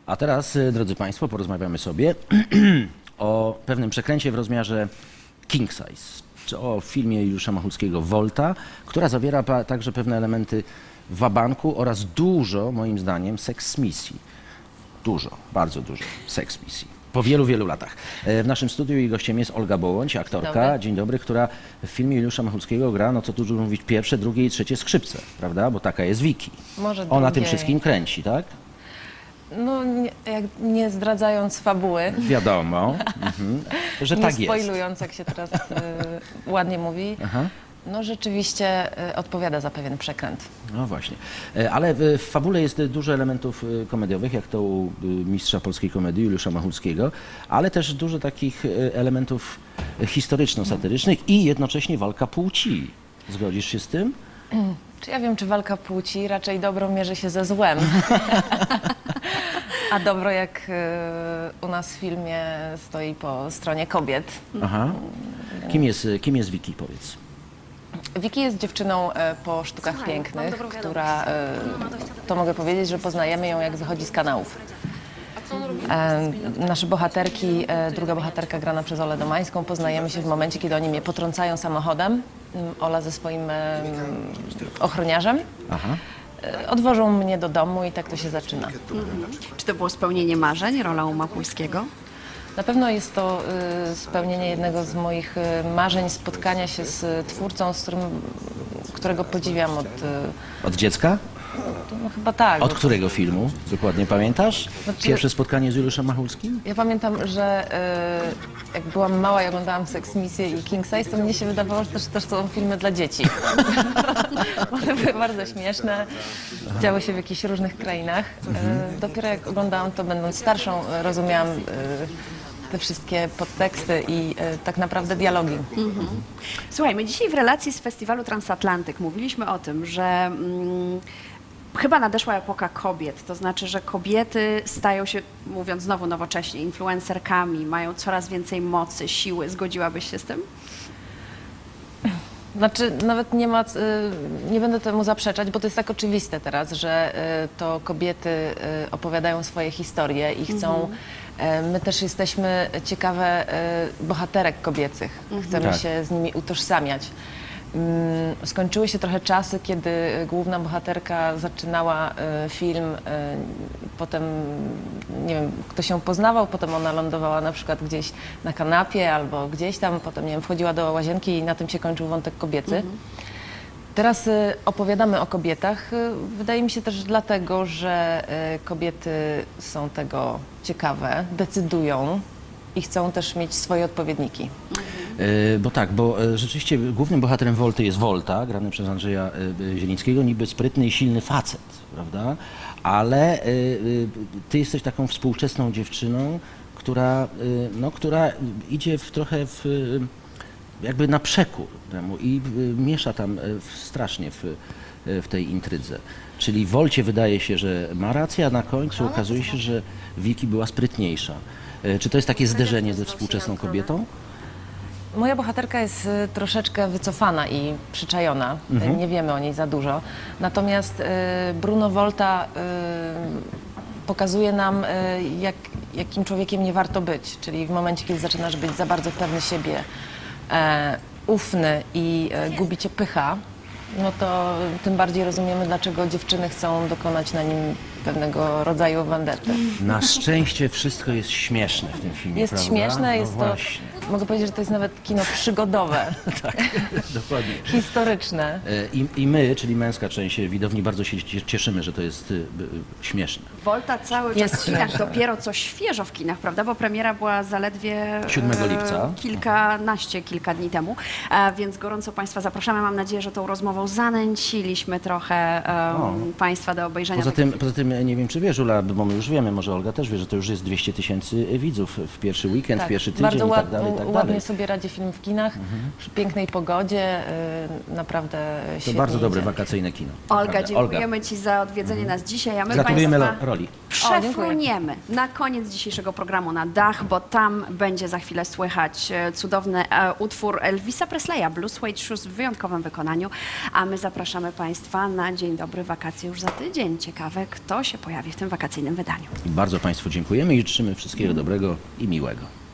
A teraz, drodzy Państwo, porozmawiamy sobie o pewnym przekręcie w rozmiarze king size, czy o filmie Juliusza Machulskiego Volta, która zawiera także pewne elementy wabanku oraz dużo, moim zdaniem, seks misji. Dużo, bardzo dużo seks misji. Po wielu, wielu latach. W naszym studiu jej gościem jest Olga Bołoń, aktorka, Dobry. dzień dobry, która w filmie Juliusza Machulskiego gra, no co tu dużo mówić, pierwsze, drugie i trzecie skrzypce, prawda? Bo taka jest Wiki. Może Ona tym drugie. wszystkim kręci, tak? No, nie zdradzając fabuły, Wiadomo, że nie tak jest. spoilując, jak się teraz ładnie mówi, Aha. no rzeczywiście odpowiada za pewien przekręt. No właśnie. Ale w fabule jest dużo elementów komediowych, jak to u mistrza polskiej komedii Juliusza Machulskiego, ale też dużo takich elementów historyczno-satyrycznych i jednocześnie walka płci. Zgodzisz się z tym? Czy ja wiem, czy walka płci? Raczej dobro mierzy się ze złem. A dobro, jak u nas w filmie, stoi po stronie kobiet. Aha. Kim jest Wiki, powiedz? Wiki jest dziewczyną po sztukach pięknych, która, to mogę powiedzieć, że poznajemy ją, jak wychodzi z kanałów. Nasze bohaterki, druga bohaterka grana przez Olę Domańską, poznajemy się w momencie, kiedy oni mnie potrącają samochodem, Ola ze swoim ochroniarzem. Aha. Odwożą mnie do domu i tak to się zaczyna. Czy to było spełnienie marzeń, rola u Machulskiego? Na pewno jest to spełnienie jednego z moich marzeń, spotkania się z twórcą, którego podziwiam Od dziecka? no chyba tak. Od którego filmu? Dokładnie pamiętasz? Znaczy- Pierwsze spotkanie z Juliuszem Machulskim? Ja pamiętam, że jak byłam mała i oglądałam Sex Misję i King Size, to mnie się wydawało, że też są filmy dla dzieci. One były bardzo śmieszne, działy się w jakichś różnych krainach. Dopiero jak oglądałam to, będąc starszą, rozumiałam te wszystkie podteksty i tak naprawdę dialogi. Słuchaj, my dzisiaj w relacji z Festiwalu Transatlantyk mówiliśmy o tym, że chyba nadeszła epoka kobiet, to znaczy, że kobiety stają się, mówiąc znowu nowocześnie, influencerkami, mają coraz więcej mocy, siły. Zgodziłabyś się z tym? Znaczy, nawet nie będę temu zaprzeczać, bo to jest tak oczywiste teraz, że to kobiety opowiadają swoje historie i chcą. My też jesteśmy ciekawe bohaterek kobiecych. Chcemy Tak. się z nimi utożsamiać. Skończyły się trochę czasy, kiedy główna bohaterka zaczynała film, potem, nie wiem, ktoś ją poznawał, potem ona lądowała na przykład gdzieś na kanapie albo gdzieś tam, potem, nie wiem, wchodziła do łazienki i na tym się kończył wątek kobiecy. Teraz opowiadamy o kobietach, wydaje mi się też dlatego, że kobiety są tego ciekawe, decydują i chcą też mieć swoje odpowiedniki. Bo rzeczywiście głównym bohaterem Volty jest Volta, grany przez Andrzeja Zielińskiego, niby sprytny i silny facet, prawda? Ale ty jesteś taką współczesną dziewczyną, która idzie trochę jakby na przekór temu i miesza tam strasznie w tej intrydze. Czyli Volcie wydaje się, że ma rację, a na końcu okazuje się, że Wiki była sprytniejsza. Czy to jest takie zderzenie ze współczesną kobietą? Moja bohaterka jest troszeczkę wycofana i przyczajona. Nie wiemy o niej za dużo. Natomiast Bruno Volta pokazuje nam, jakim człowiekiem nie warto być. Czyli w momencie, kiedy zaczynasz być za bardzo pewny siebie, ufny i gubi cię pycha, no to tym bardziej rozumiemy, dlaczego dziewczyny chcą dokonać na nim pewnego rodzaju vendetty. Na szczęście wszystko jest śmieszne w tym filmie, Jest prawda? śmieszne, No jest to, właśnie. mogę powiedzieć, że to jest nawet kino przygodowe, Tak, dokładnie. historyczne. I my, czyli męska część widowni, bardzo się cieszymy, że to jest śmieszne. Volta cały czas Jest w kinach, śmieszne. dopiero co świeżo w kinach, prawda? Bo premiera była zaledwie 7 lipca. Kilka dni temu. Więc gorąco Państwa zapraszamy. Mam nadzieję, że tą rozmową zanęciliśmy trochę Państwa do obejrzenia. Poza tym nie wiem, czy wiesz, Ula, bo my już wiemy, może Olga też wie, że to już jest 200 000 widzów w pierwszy weekend, w Tak, pierwszy tydzień bardzo i tak dalej. tak ładnie dalej. sobie radzi film w kinach, przy pięknej pogodzie, naprawdę To świetnie bardzo dobre idzie. wakacyjne kino. Olga, Naprawdę. dziękujemy Ci za odwiedzenie nas dzisiaj, a my Gratulujemy Państwa roli. przefruniemy na koniec dzisiejszego programu na dach, bo tam będzie za chwilę słychać cudowny utwór Elvisa Presleya, Blue Suede Shoes w wyjątkowym wykonaniu, a my zapraszamy Państwa na Dzień Dobry Wakacje już za tydzień. Ciekawe, kto się pojawi w tym wakacyjnym wydaniu. Bardzo Państwu dziękujemy i życzymy wszystkiego dobrego i miłego.